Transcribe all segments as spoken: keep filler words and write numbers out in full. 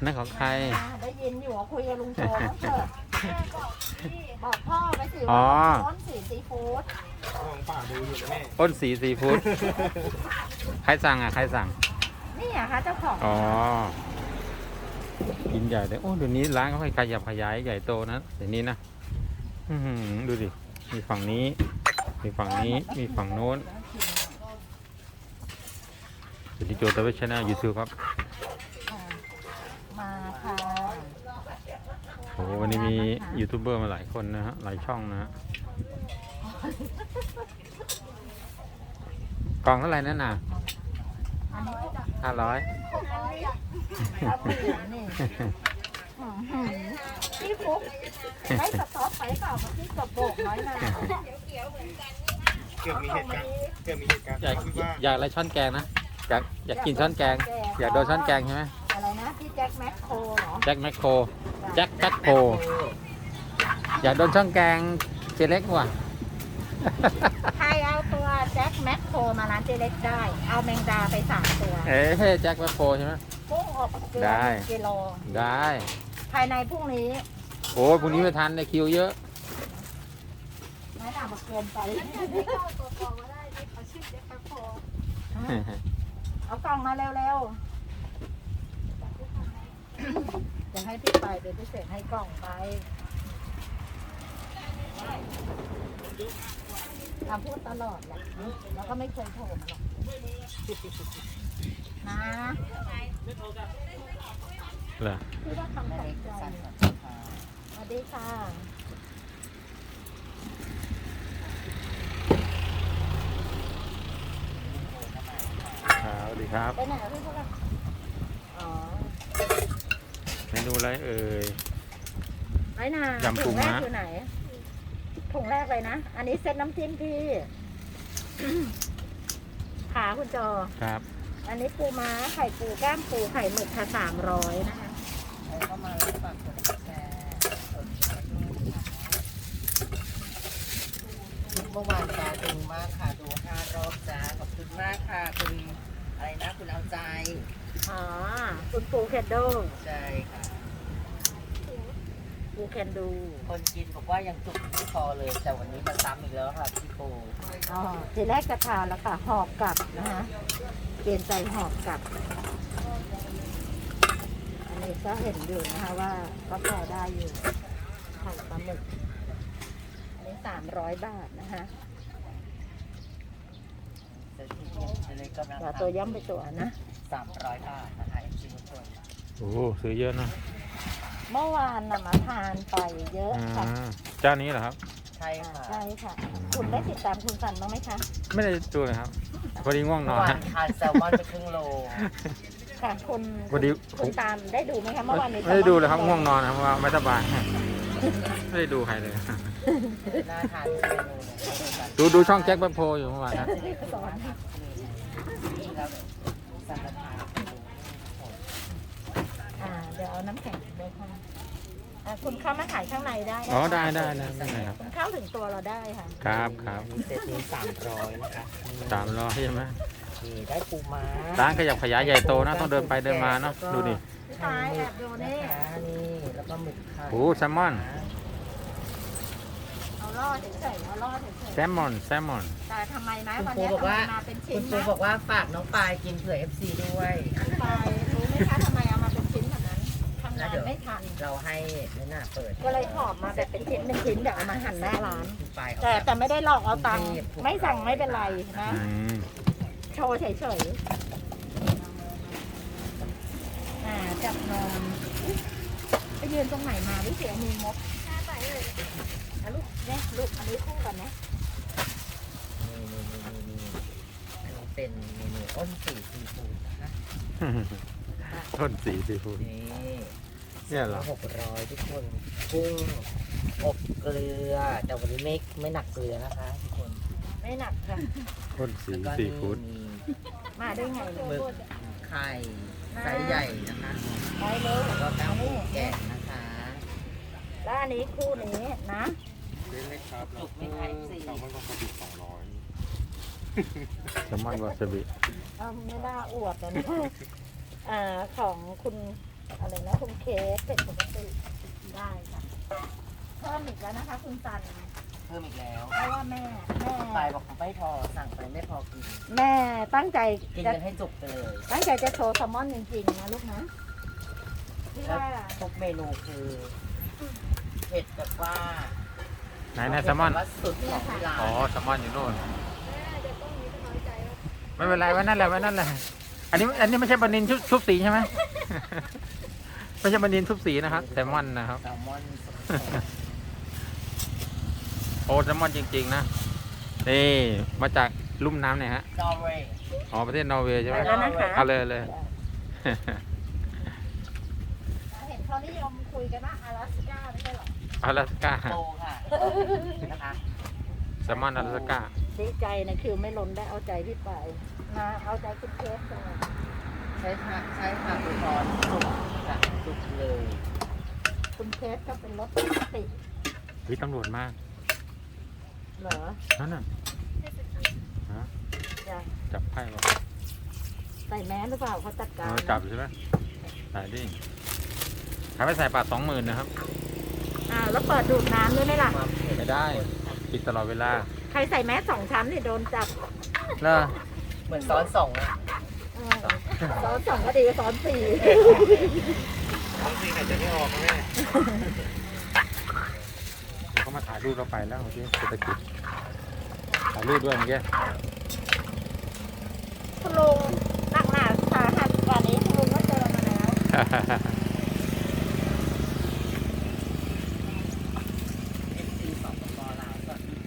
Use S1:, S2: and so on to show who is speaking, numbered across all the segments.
S1: นั่นของใคร
S2: ได้ยินอยู่ว่าคุยกับลุงโจเถอะบอกพ่อไปสิ
S1: อ๋อ
S2: ว่าต้นสีซีฟู้ด
S3: ของป่าดูอยู่นะแม่
S1: อ้นสีซีฟู้ดใครสั่งอ่ะใครสั่ง
S2: นี่อะคะเจ้าของ
S1: อ๋อกินใหญ่เลยโอ้เดี๋ยวนี้ร้านเขาขยับขยายใหญ่โตนะเดี๋ยวนี้นะอื้อหือดูดิมีฝั่งนี้มีฝั่งนี้มีฝั่งโน้นสวัสดีโจทย์เวชชาแนลยูทูบครับ
S2: มาค่ะ
S1: โอ้วันนี้มียูทูบเบอร์มาหลายคนนะฮะหลายช่องนะฮะกล่องเท่าไหร่นั่นน่ะห้าร้อย
S2: พี่ฟุ๊กได้สต๊อกไปเปล่าพี่กระโบกน้อยนา
S3: เกือบมีเหตุการณ์เกือบมีเหตุการณ์
S1: อยาก
S3: ที่ว่า
S1: อยากอะไรช้อนแกงนะอยากอยากกินช้อนแกงอยากโดนช้อนแกงใช่ไหม
S2: อะไรนะพี่แจ็คแมคโครเหรอ
S1: แจ็คแมคโครแจ็คแจ็คโครอยากโดนช้อนแกงเจเล็กว่ะ
S2: ใครเอาตัวแจ็คแมคโครมาร้านเจเล็กได้เอาแมงดาไปสามตัว
S1: เอ๊ะแจ็คแมคโครใช่ไหม
S2: กุ้งอบเกลือกิโล
S1: ได้
S2: ภายในพรุ่งนี้
S1: โอ้พรุ่งนี้ไม่ทันในคิวเยอะ
S2: ไม่หนามาเกินไปเอากล่องมาเร็วๆจะให้พี่ไปเดี๋ยวพี่เสกให้กล่องไปเราพูดตลอดแหละแล้วก็ไม่เคยโทรมาหรอกนะ
S1: เหรอ
S2: พี่ว่าคำตกใจสวัสดีค่ะ
S1: สวัสดีครับ
S2: ไปไหนพี่พวกเราอ๋อ
S1: เมนูอะไรเอ่ย
S2: ไอ้นายำปูม้าถุงแรกอยู่ไหนถุงแรกเลยนะอันนี้เซตน้ำจิ้มพี่ขาคุณจอ
S1: ครับ
S2: อันนี้ปูม้าไข่ปูก้ามปูไข่หมึกค่ะสามร้อยนะคะเข้ามาแล้วฝากกดแชร์เมื่อวานตาดูมากค่ะดูห้ารอบจ้าขอบคุณมากค่ะคุณอะไรนะคุณเอาใจอ๋อคุณปูแคนโดใช่ค่ะปูแคนดูคนกินบอกว่ายังจุกไม่พอเลยแต่วันนี้มาซ้ำอีกแล้วค่ะพี่ปูอ๋อทีแรกกระทานแล้วค่ะหอบกลับนะคะเปลี่ยนใจหอบกลับอันนี้ก็เห็นอยู่นะคะว่าก็พอได้อยู่ไข่ปลาหมึกอันนี้สามร้อยบาทนะคะตัวย่อมไปตัวนะสามร้อยบาทนะคะจริงตัว
S1: โอ้ซื้อเยอะนะ
S2: เมื่อวานน่ะมาทานไปเยอะค่ะ
S1: เจ้านี้เหรอครับ
S2: ใช่ค่ะใช่ค่ะคุณได้ติดตามคุณสันบ้างไหมคะ
S1: ไม่ได้ดูเลยครับพอดีง่วงนอน
S2: ทานแซลมอนไปครึ่งโลค่ะคุณ
S1: พอดี
S2: คุณตามได้ดูไหมคะเมื่อวานนี้
S1: ไม่ได้ดูเลยครับง่วงนอนครับเพราะว่าไม่สบายไม่ได้ดูใครเลย
S2: น่าทาน
S1: ดูดูช่องแจ็คแมคโครอยู่เมื่อวานนะ
S2: เดี๋ยวเอาน้ำแข็งด้วยค่ะคุณเข้ามาถ่ายข้างในได้
S1: อ๋อได้ได้ได้ครับ
S2: คุณเข้าถึงตัวเราได้ค่ะ
S1: ครับครับ
S2: เซตนี้สามร้อยนะคะ
S1: สามร้อยใช่ไหม
S2: นี่ได้ปูม้า
S1: ร้านขยับขยายใหญ่โตนะต้องเดินไปเดินมาเนาะดูดิ
S2: ใช่แอบดูนี่นี่แล้วก็หมึกค่ะ
S1: โอ้แซลมอน
S2: เอาล่อเฉยๆเอาล่อเฉยๆ
S1: แซลมอนแซลมอน
S2: แต่ทำไมนะวันนี้บอกว่าคุณครูบอกว่าฝากน้องปายกินเผื่อ เอฟ ซี ด้วยปายรู้ไหมคะทำไมเอามาเป็นชิ้นแบบนั้นทำงานไม่ทันเราให้ไม่น่าเปิดก็เลยหอบมาแบบเป็นชิ้นเป็นชิ้นเดี๋ยวเอามาหั่นหน้าร้านแต่แต่ไม่ได้หลอกเอาตังค์ไม่สั่งไม่เป็นไรนะโชว์เฉยๆอ่าจับนอนไปยืนตรงไหนมาวิเศษมีมกอ่ะลูกเนี่ยลูกอันนี้คู่กันนะเป็นเมนูอ้นสีซีฟู้ดนะคะ
S1: อ้นสีซีฟู้ด
S2: นี่
S1: เนี่ยเหรอ
S2: หกร้อยทุกคนกุ้งอบเกลือแต่วันนี้ไม่ไม่หนักเกลือนะคะทุกคนไม่หนักค่ะ
S1: อ้นสีซีฟู้ด
S2: มาได้ไงหมึกไข่ไซส์ใหญ่นะคะไปเลยแล้วก็ก้าวหมูแกะนะคะแล้วอันนี้คู่นี้นะ
S3: เล็กครับจุกไม่ไข่สี่แซลมอนวาซาบิสองร้อย
S1: แซลมอนวาซาบิ
S2: ไม่ได้อวดนะอ่าของคุณอะไรนะคุณเคสเผ็ดปกติได้ค่ะเพิ่มอีกแล้วนะคะคุณซัน
S3: เพิ่มอีกแล้ว
S2: เพราะว่าแม่แม่
S3: ปลายบอกไม่พอสั่งไปไม่พอกิน
S2: แม่ตั้งใจ
S3: กิน
S2: จะ
S3: กันให้จุกไปเลย
S2: ตั้งใจจะโชว์แซลมอนจริงๆนะลูกนะที่
S3: แล้ว
S2: ว่า
S3: ทุกเมนูคือเผ็ดแบบว่า
S1: ไหนนะแซลมอน
S3: เผ็ดแบบว่าสุดของที่ร้าน
S1: อ๋อแซลมอนอยู่โน่นไม่เป็นไรไว้นั่นแหละไว้นั่นแหละอันนี้อันนี้ไม่ใช่ปลานินชุบชุบสีใช่ไหม ไม่ใช่ปลานินชุบสีนะครับแซลมอนนะครับ
S3: แซลมอนสด
S1: โอ้แซลมอนจริงๆนะนี่มาจากลุ่มน้ำเนี่ยฮะ
S3: ๆนอร์เวย์
S1: อ๋อประเทศนอร์เวย์ใช่ไหม
S2: ไปแล้วนะคะ
S1: เอาเลยเลย
S2: เห็นเขานิยมคุยกันว่า阿拉斯ก้าไม่ใช่หรอ
S1: 阿拉斯ก้า
S3: โตค่ะนะคะ
S1: แซลมอน阿拉斯ก้า
S2: ดีใจนะคือไม่ล้นได้เอาใจพี่ไปมาเอาใจคุณเคสเลย
S3: ใช้ค่ะใช้ค่ะคุณพรสุกค่ะสุกเลย
S2: คุณเคสก็เป็นรถปกติ
S1: วิตำรวจมาก
S2: เหรอ
S1: นั่นน่ะฮะ
S2: จะ
S1: จับไพ่ป่ะ
S2: ใส่แมสหรือเปล่าเขาจัด
S1: เอ
S2: การ
S1: อจับใช่ไหมใส่ดิขายไปใส่บาทสองหมื่นนะครับ
S2: อ่าแล้วเปิดดูดน้ำด้วยไหมล่ะ
S3: ความเผ็ด
S1: ไม่ได้ปิดตลอดเวลา
S2: ใครใส่แมสสองชั้นเนี่ยโดนจับ
S1: เลอ
S3: เหมือนซ้อนสองอะ
S2: เออซ้อนสองก็ดีซ้อนสี่
S3: ซ้อนสี่ไหนจะไม่ออกแม่
S1: เขามาถ่ายรูปเราไปแล้วเมื่อกี้เศรษฐกิจถ่ายรูปด้วยเมื่อกี้
S2: คุณลุงหนักหนาสาหัสกว่านี้คุณลุงก็เจอมาแล้ว
S3: ซีสองปอลาวสวัสดี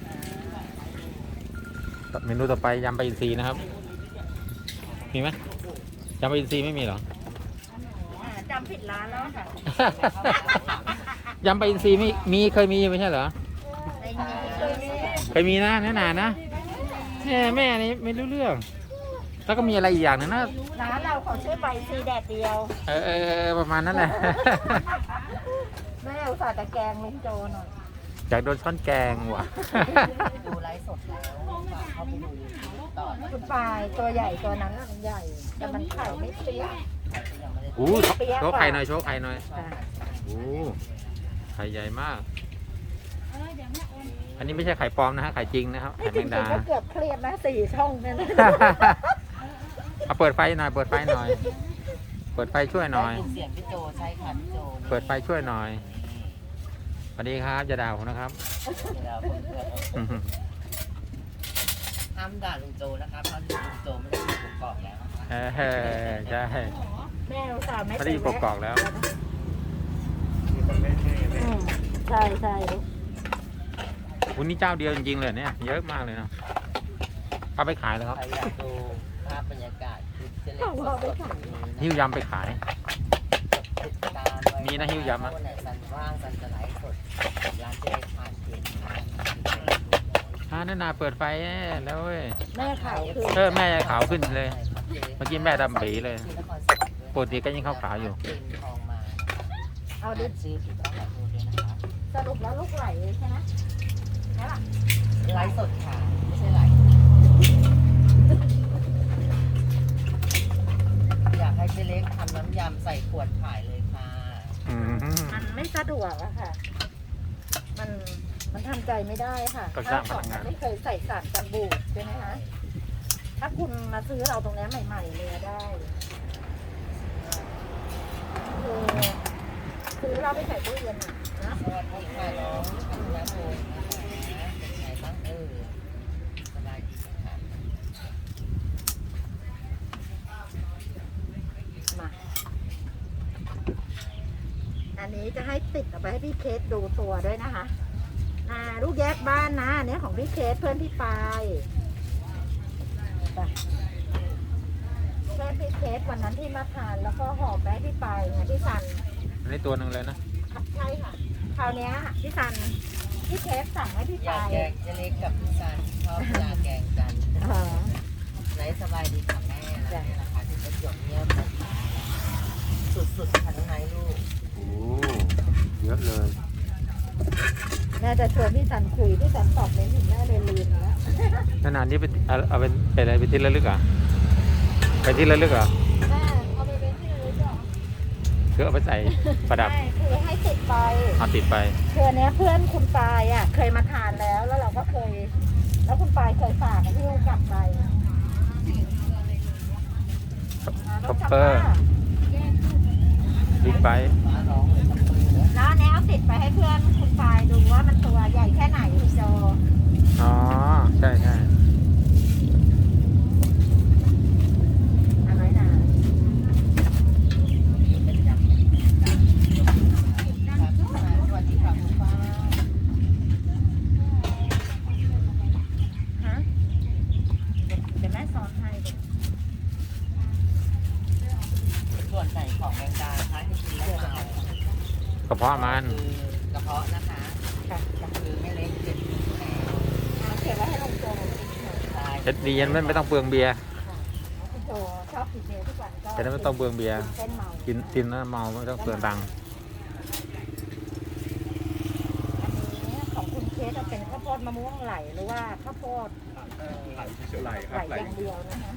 S3: ค่ะ
S1: เมนูต่อไปยำปลาอินทรีนะครับ มีไหมยำปลาอินทรีไม่มีเหรอ
S2: อ่าจำผิดร้านแล้วค่ะ
S1: ยำปลาอินทรีมีมีเคยมีไม่ใช่เหรอ
S2: ในนี้
S1: เคยมีนะแน่นานนะแม่แม่นี่ไม่รู้เรื่อง แล้วก็มีอะไรอีกอย่างหนึงนะ
S2: ร้านเราเขาชื่อใบซีแดดเดียว
S1: เออเออเออประมาณนั้นแหละ
S2: แม่อุตส่าห์ตะแกรงลุงโจหน่อย
S1: อยากโดนช้อนแกงว่ะ
S3: ดูไลฟ์สดแล้วฝากเข้าไปดูยูทูบต่อนะ
S2: คุณปลายตัวใหญ่ตัวนั้นน่ะมันใหญ่ แต่มันไข่ไม่เปรี้ยว
S3: ยังไม่ได้
S1: โอ้โชว์ไข่หน่อยโชว์ไข่หน่อย
S2: ค่ะ
S1: โอ้ไข่ใหญ่มาก อันนี้ไม่ใช่ไข่ปลอมนะฮะไข่จริงนะครับ
S2: นี่
S1: ไข่
S2: จ
S1: แม
S2: ริ
S1: ง
S2: ง
S1: ดา
S2: ๆก็เกือบเครียดนะสี่ช่องเนี่ยนะ
S1: เอาเปิดไฟหน่อย เปิดไฟหน่อย เปิดไฟช่วยหน่อย
S3: ได้ยินเสียงพี่โจใช่ค่ะพี่โจ
S1: เปิดไฟช่วยหน่อยสวัสดีครับอย่าด่าผมนะครับ
S3: เดี๋ยวผมเปิดห้ามด่าลุงโจนะคะเพราะลุงโจไม่ได้อยู่กกอกแล้วนะคะ
S1: เออใช่
S2: แม่อุตส่าห์ไม่
S1: ไม่ได้อยู่กอกๆแล้ว
S2: อืมใช่ใช่
S1: วันนี้เจ้าเดียวจริงๆเลยเนี่ย เยอะมากเลยเนาะเอาไปขายแล้วครับ
S3: ใครอยากดูภาพบรรยากาศคลิปเจเล็กสดๆ
S1: หิ้วยำไปขาย
S3: ติดตามไว้
S1: มีนะหิ้วยำอะ
S3: วันไหนสันว่างสันจะไลฟ์สดร้านเจเล็กผ่านเพจ
S1: อ่านั่นนาเปิดไฟแล้วเว้ย
S2: แม่ขาวคือ
S1: เออแม่ขาวขึ้นเลย เมื่อกี้แม่ดำปีเลย ปกติก็ยังขาวๆอยู่
S3: เป็นทองมา
S2: เอา
S3: เอา
S2: ดิ
S3: ดิชื่อถูกต้องแล้วดูด้วยนะคะ
S2: สรุปแล้วลูกไหลใช่ไหมใช่ป่ะ
S3: ไลฟ์สดค่ะไม่ใช่ไลฟ์อยากให้เจเล็กทำน้ำยำใส่ขวดขายเลยค่ะ
S1: อืม
S2: มันไม่สะดวกอะค่ะ มันมันทำใจไม่ได้ค่ะ
S1: ก็สร้างพ
S2: ขอ
S1: ลั
S2: ง
S1: งงาน
S2: ไม่เคยใส่สารกันบูดใช่ไหมคะถ้าคุณมาซื้อเราตรงนี้ใหม่ๆเลยได้คือซื้อเราไปใส่ตู้เย็นอะนะ
S3: สวัสดีค่ะน้องธัญพงศ์นะคะเป็นไงบ้างเออสบายดีไหมคะ
S2: มาอันนี้จะให้ติดเอาไปให้พี่เคสดูตัวด้วยนะคะอ่าลูกแยกบ้านนะอันนี้ของพี่เคสเพื่อนพี่ปายไปเพื่อนพี่เคสวันนั้นที่มาทานแล้วก็หอบไปให้พี่ปายไงพี่ซัน
S1: อันนี้ตัวหนึ่งเลยนะ
S2: ใช่ค่ะคราวเนี้ยพี่ซันพี่เคสสั่งให้พี่
S3: อยา
S2: ปาก ย
S3: แกงเจเล็กกับพี่ซันชอบอยากแกงกัน
S2: เออ
S3: ไหนสบายดีค่ะแม่แล้วเนี่ยนะคะที่ประจวบเงียบนะคะสุดๆค่ะน้องไนท์ลูก
S1: โอ้เยอะเลย
S2: น่าจะชวนพี่ซันคุยพี่ซันตอบไม่ถึงแน่เลยลืมแล้ว
S1: นานๆนี้เป็นเอาเอาเป็นเป็นอะไรเป็นที่ระลึกเหรอ่ะเป็นที่ระลึกเหรอ
S2: แม่เอาไปเป็นที่ระลึกเหรอ
S1: คือเอาไปใส่ประดับ
S2: ใช่คือให้ติดไป
S1: เอาติดไป
S2: คืออันเนี้ยเพื่อนคุณปายอ่ะเคยมาทานแล้วแล้วเราก็เคย แล้วคุณปายเคยฝากให้พี่กลับไป
S1: คอปเปอร์บิ๊กไบค์
S3: ฟ้าร้องเลยครับเพื่อนนะ
S2: แล้วอันเนี้ยเอาติดไปให้เพื่อนคุณปายดูว่ามันตัวใหญ่แค่ไหนพี่โจ
S1: อ๋อ ใช่ใช่
S2: อันน้อยหนา
S3: เป็นยำครับสวัสดีครับคุณป้า
S2: ฮะเดี๋ยวแม่สอนให้
S3: ส่วนไหนของแมงดาคะที่กินแล้วเมาก
S1: ระเพาะมัน
S3: คือกระเพาะนะคะ
S2: ค่ะค่ะ
S3: คือไม่เล็กเจ็ดแหน
S2: เอาเก็บไว้ให้ลุงโจ
S3: ใช่
S1: เอ็ดดียันไม่ไม่ต้องเปลืองเบียร์
S2: ลุงโจชอบกินเบียร์ทุกวันก็
S1: จะได้ไม่ต้องเปลืองเบียร์
S2: เส้นเมา
S1: กินกินแล้วเมาไม่ต้องเปลืองตังค์
S2: อันนี้ของคุณเคสจะเป็นข้าวโพดมะม่วงไหลหรือว่าข้าวโพด
S4: ไหลค
S2: ไหล
S4: รับไหล
S2: อย่างเดียวนะคะ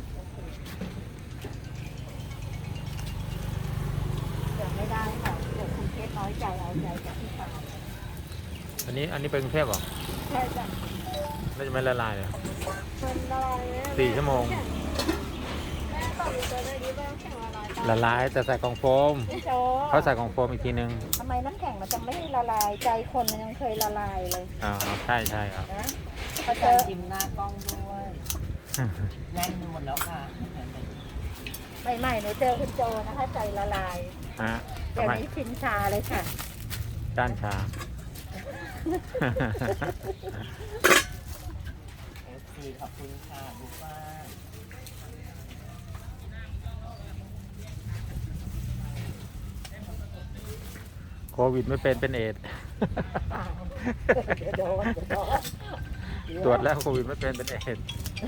S2: เดี๋ยวไม่ได้ค่ะเดี๋ยวคุณเคสน้อยใจเอาใจจากที่ฟาร์ม
S1: อันนี้อันนี้เป็นกรุงเทพเหรอ
S2: ใช่จ้ะ
S1: ไม่จะไม่ละลายเลย
S2: เป็นอะไรเนี่ย
S1: สี่ชั่วโมง
S2: แม่ตอบอยู่ตัวได้ดีบ้างแข่งละลาย
S1: ละลายแต่ใส่กล่องโฟม
S2: พี่โจ
S1: เขาใส่กล่องโฟมอีกทีนึง
S2: ทำไมน้ำแข็งมันจะไม่ละลายใจคนมันยังเคยละลายเลย
S1: อ๋อใช่ใช่ครับ
S2: นะพอ
S3: ก็
S2: เจ
S3: จะ
S2: อ
S3: จิ้มหน้ากล้องด้วยแน่นไปหมดแล้วค่ะ
S2: ใหม่ๆหนูเจอคุณโจนะคะใจละลาย
S1: ฮะ
S2: เดี๋ยว
S1: ทำไม
S2: นี้ชินชาเลยค่ะ
S1: ด้านชา
S3: เอฟซีขอบคุณค่ะลูกป้า
S1: โควิดไม่เป็นเป็นเอดส์
S2: เดี๋ยวโดนเดี๋ยวโดน
S1: ตรวจแล้วโควิดไม่เป็นเป็นเอดส์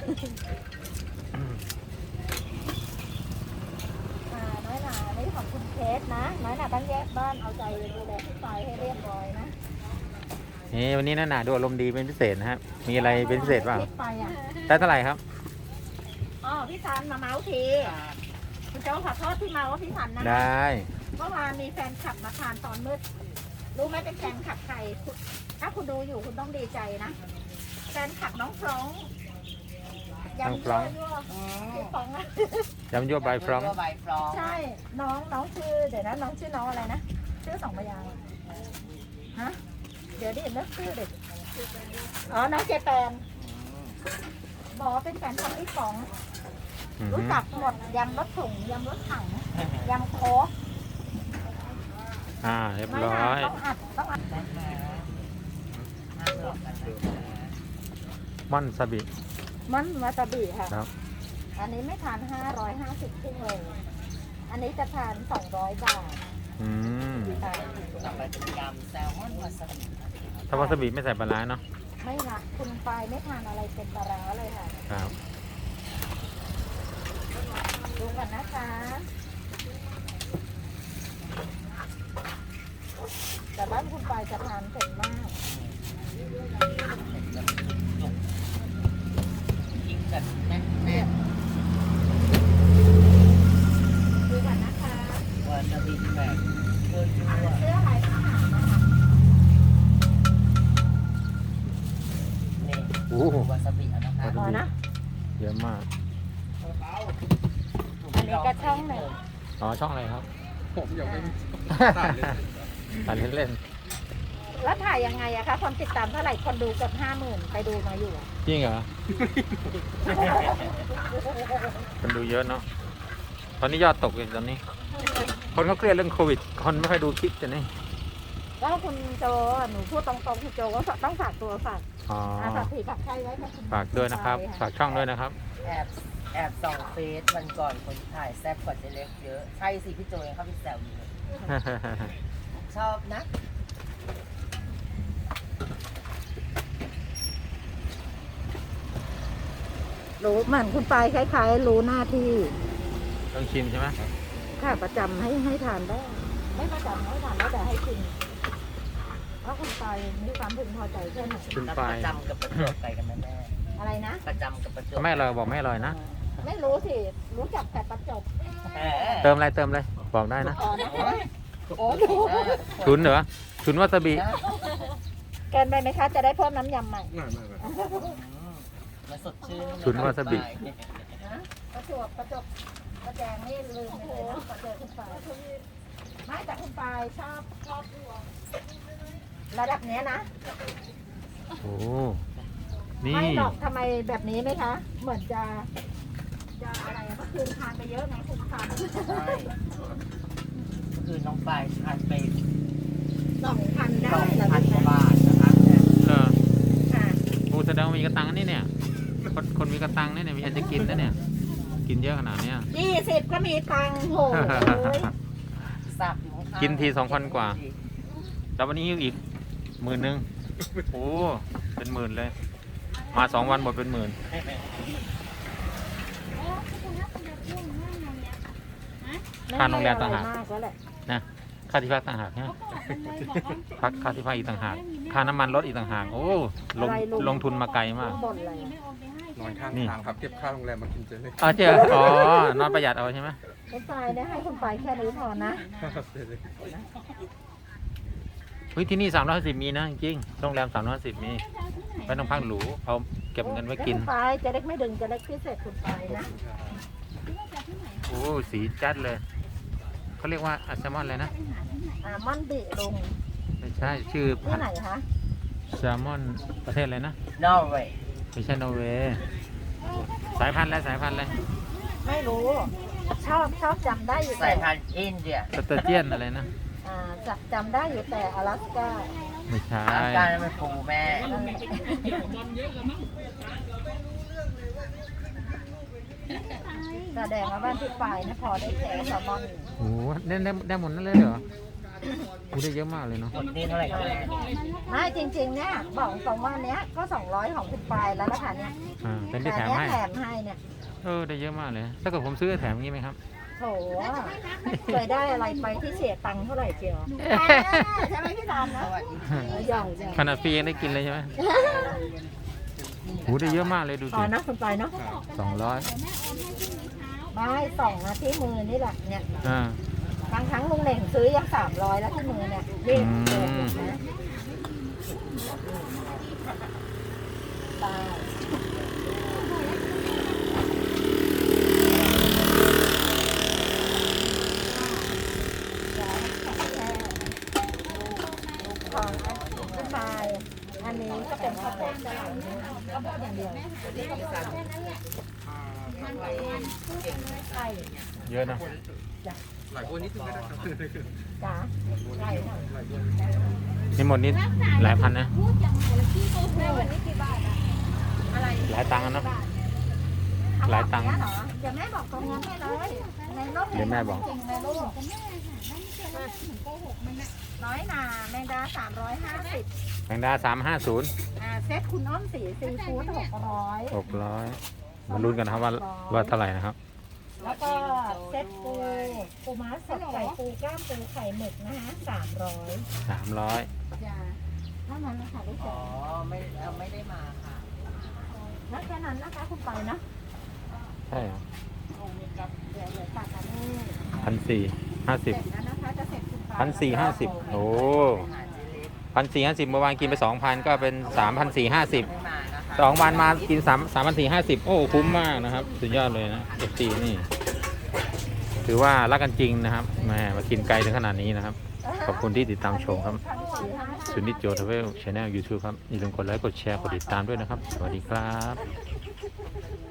S2: อ่าน้อยหนาอันนี้ของคุณเคสนะ น้อยหนาต้องแยกบ้านเอาใจดูแลพี่ปายให้เรียบร้อยนะ
S1: นี่วันนี้น่าหนาดูอารมณ์ดีเป็นพิเศษนะครับ มีอะไรเป็นพิเศษเปล่า
S2: พี่ไปอ่ะ
S1: ได้เท่าไหร่ครับ
S2: อ๋อพี่ซันมาเมาส์ทีคุณโจขอโทษที่เมาว่าพี่ซันนะ
S1: ได้
S2: เมื่อวานมีแฟนคลับมาทานตอนมืด รู้ไหมเป็นแฟนคลับใครคุณถ้าคุณดูอยู่คุณต้องดีใจนะ แฟนคลับน้องฟรองก์ยำยั่วยั่ว
S3: อืม
S2: พี่ฟรองก์อะ
S1: ยำยั่วใบฟรอง
S3: ใบฟรอง
S2: ใช่ น้องน้องชื่อ เดี๋ยวนะน้องชื่อน้องอะไรนะ ชื่อสองพยางค์ฮะ เดี๋ยวดิเลิกชื่อเด็กอ๋อ น้องเจแปนบอกว่าเป็นแฟนคลับพี่ฟรองก์
S1: อือ
S2: รู้
S1: หือ
S2: จักหมดยำรถถุงยำรถถังยำโค้ก
S1: อ่าเรียบ
S2: ไม่
S1: ร้
S2: นาน
S1: อย
S2: ต้องอัดต้องอัด
S3: นะคะห้ามหลอกกันนะคะ
S1: ม่อนซาบิ
S2: มันวาซาบิค่ะ
S1: ครับ
S2: อันนี้ไม่ทานห้าร้อยห้าสิบครึ่งเลยอันนี้จะทานสองร้อยบาท
S1: อืม
S2: ค่ะ
S3: ต่อไปเป็นยำแซลมอนวาซาบิ
S1: ถ้าวาซาบิไม่ใส่ปลาร้าเนาะ
S2: ไม่ละคุณปายไม่ทานอะไรเป็นปลาร้าเลยค่ะ
S1: ครับ
S2: ดูกันนะคะแต่บ้านคุณปายจะทานเผ็ดมาก
S3: กินแบบแน่น
S2: ดูกันนะคะ
S3: ๆวาซาบิแบบเยอะ
S2: เสื้อลายทหารนะคะ
S3: ๆนี่
S1: โอ้โห
S3: วาซาบิอะนะคะ
S1: วาซา
S2: พอ
S1: บิ
S2: นะ
S1: เยอะมาก
S2: อันนี้ก็ช่องหนึ่ง
S1: อ๋อ ช่องอะไรครับ
S4: ผมยังไม่ถ่ายเลย
S1: ตัดเล่น
S2: แล้วถ่ายยังไงอะคะคนติดตามเท่าไหร่คนดูเกือบห้าหมื่นไปดูมาอยู่อะ
S1: ๆจริงเหรอ คนดูเยอะเนาะ ตอนนี้ยอดตกเลยตอนนี้ คนเขาเครียดเรื่องโควิด คนไม่ค่อยดูคลิปจะนี่
S2: แล้วคุณโจหนูพูดตรงๆคุณโจก็ต้องฝากตัวฝาก
S1: อ๋อ
S2: อาฝากผีฝากใครไว้ค่ะคุณ
S1: ฝากด้วยนะครับ ฝากช่องด้วยนะครับ
S3: แอบแอบส่องเฟซวันก่อนคนถ่ายแซ่บกว่าเจเล็กเยอะ ใช่สิพี่โจยังเข้าไปแซวอยู่เลยชอบนะ
S2: รู้เหมือนคุณปายคล้ายๆ รู้หน้าที่
S1: ต้องชิมใช่ไหม
S2: ค่ะประจำให้ให้ทานได้ ไม่ประจำไม่ทานแล้วแต่ให้กินเพราะคุณปายมีความพึงพอใจแค่ไหน
S1: คุณ
S3: แล้ว
S1: ปา
S3: ป
S1: ย
S3: ระจำกับประจวบไปกันไหมแม่
S2: อะไรนะ
S3: ประจำกับประจวบ
S1: ไม่อร่อยบอกไม่อร่อยนะ
S2: ไม่รู้สิ รู้จักแต่ประจบ
S3: แหม
S1: เติมอะไรเติมเลยบอกได้นะ
S2: อ๋อนะคะโอ้ดู
S1: ชุนเหรอชุนวาซาบิ
S2: เกินไปไหมคะจะได้เพิ่มน้ำยำใหม่
S4: ไม่ไม่ไม่
S3: มันสดชื่น
S1: ชุนวาซาบิ
S2: ประจวบประจวบประแจงไม่ลืมเลยนะประเจอคุณปายไม่แต่คุณปายชอบชอบระดับเนี้ยนะ
S1: โอ้นี่
S2: ไม่หรอกทำไมแบบนี้ไหมคะ เหมือนจะจะอะไรอะเมื่อคืนทานไปเยอะไงคุณทาน
S3: ใช่คือน้องปลายทานไป
S2: สองพัน
S3: ส
S2: ได้
S3: อง
S2: เหรอ
S3: พัน
S2: ลูก
S3: กว่า
S2: นะ
S3: บาทนะครับ
S1: เออ
S2: ค่ะ
S1: โอ้แสดงว่ามีกระตังนี่เนี่ยคนคนมีกระตังนี่เนี่ยมีอันจะกินนะเนี่ยกินเยอะขนาดเนี้ย
S2: ยี่สิบก็มีตังค์โหเลย
S3: สับอยู่ข้างๆ
S1: กินทีสองพันกว่า แล้ววันนี้หิ้วอีกหมื่นหนึ่งโอ้เป็นหมื่นเลย มาสองวันหมดเป็นหมื่นค่าโรงแรมต่างหาก
S2: ไม่มีอะไรมแล้วแหละ
S1: นะค่าที่พักต่างหากนะพักค่าที่พักอีกต่างหากค่าน้ำมันรถอีกต่างหากโอ้ลงลงทุนมาไกลมาก
S2: บ่นอะไรอะ
S4: นอนข้าง
S1: นี่
S4: ทางครับเก็บค่าโรงแรมมากินเจเล็ก
S1: อ๋อเจออ๋อนอนประหยัดเอาใช่ไหม
S2: คุณปายเนี่ยให้คุณปายแค่นี้พอนะ
S4: เจเล็ก
S1: เฮ้ยที่นี่สามร้อยสิบมีนะจริงๆโรงแรมสามร้อยสิบมีไม่ต้องพักหรูเอาเก็บเงินไว้กิน
S2: คุณปายจะเล็กไม่ดึงจะเล็กพิเศษคุณปายนะ
S1: โอ้สีจัดเลยเขาเรียกว่าอัลแซลมอนอะไรนะ
S2: อ่าม่อนบิลุง
S1: ไม่ใช่ชื่อ
S2: ที่ไหนคะ
S1: แซลมอนประเทศอะไรนะ
S3: นอร์เวย์
S1: ไม่ใช่นอร์เวย์สายพันธุ์อะไรสายพันธุ์อะไร
S2: ไม่รู้ ชอบชอบจำได้อยู่
S3: สา
S2: แต่
S3: ยพันธุ์อินเดีย
S1: สเตอร์เจียนอะไรนะ
S2: อ่าจับจำได้อยู่แต่อลาสก้า
S1: ไม่ใช่
S3: อาการมันปูแม่
S2: แสดงว่าบ้านที่ปลายนะพอได้แค่แซลมอน
S1: โอ้โหได้ได้ได้หมดนั่นเลยเหรอโอ้ได้เยอะมากเลยเนาะ
S3: หมดนี่เท่าไหร่ครับแม่
S2: ไม่จริงๆเนี่ยบอกตรงว่าเนี้ยก็สองร้อยของคุณปลายแล้วนะคะเนี่ย
S1: อ่าเป็นที่
S2: แต่
S1: แถม
S2: เนี้ย
S1: ให้
S2: แถมให้เนี่ย
S1: เออได้เยอะมากเลยถ้าเกิดผมซื้อแถมงี้ไหมครับ
S2: โถเคยได้อะไรไปที่เสียตังค์เท่าไหร่เชียวใช่ไหมพี่ดอนนะ
S3: สวัสดี
S2: ใหญ่ใหญ่
S1: ขนาดฟรียังได้กินเลยใช่ไหมโอ้ได้เยอะมากเลยดู
S2: พอ
S1: สิ
S2: นะคุณปลายเนาะ
S1: สองร้อย
S2: ไม่สองนะที่มือนี่แหละเนี่ย
S1: อ่า
S2: บางครั้งลุงเหน่งซื้อยังสามร้อยแล้วที่มือเนี่ยรีบเกินนะตายของคุณปลายอันนี้ก็เป็นข้าวโพดจะหลังข้าวโพดอย่างเดียวใช่
S1: เยอะนะ
S4: หลายคนนิดนึงก็ได้ครับ
S2: จ้าใช่ค่ะ
S4: หลายคน
S1: นี่หมดนี่หลายพันนะ
S2: แม่วันนี้กี่บาทอะอะไร
S1: หลายตังค์อะเนาะ หลายตังค์
S2: เนี้เหรอเดี๋ยวแม่บอกตรงนั้นให้เลยในรูป
S1: เดี๋ยวแม่บอก
S2: จริงในรูปน้อยนาแมงดาสามร้อยห้าสิบ
S1: แมงดาสามห้าศูนย์
S2: อ่าเซ็ตคุณอ้อมสีซีฟู้ดหกร้อย
S1: หกร้อยมาลุ้นกันนะครับว่าว่าเท่าไหร่นะครับ
S2: แล้วก็เซ็ตปูปูม้าสดไข่ปูกล้ามปูไข่หมึกนะฮะสามร้อย
S1: สามร้อย
S2: จ้าเท่านั้นนะคะลูก
S3: อ๋
S2: จ๋า
S3: อไม่เอาไม่ได้มาค่ะ
S2: แล้วแค่นั้นนะคะคุณไปนะ
S1: ใช่เหรอ
S2: เดี๋ยวเดี๋ยวตัดอันนี้
S1: พันสี่ห้าสิบ
S2: เสร็จแล้วนะคะจะเสร็จคุณไป
S1: พันสี่ห้าสิบโอ้
S3: หาเจเล็ก
S1: พันสี่ห้าสิบเมื่อวานกินไปสองพันก็เป็นสามพันสี่ห้าสิบ
S3: ไม่มานะคะ
S1: สองวันมากินสามสามพันสี่ห้าสิบโอ้คุ้มมากนะครับ สุดยอดเลยนะเอฟซีนี่ ถือว่ารักกันจริงนะครับแหมมากินไกลถึงขนาดนี้นะครับ ขอบคุณที่ติดตามชมครับ
S2: พันสี่ห้าสิบ
S1: สุนิจโจทเวลช anel YouTube ครับอย่าลืมกดไลค์กดแชร์กดติดตามด้วยนะครับ สวัสดีครับ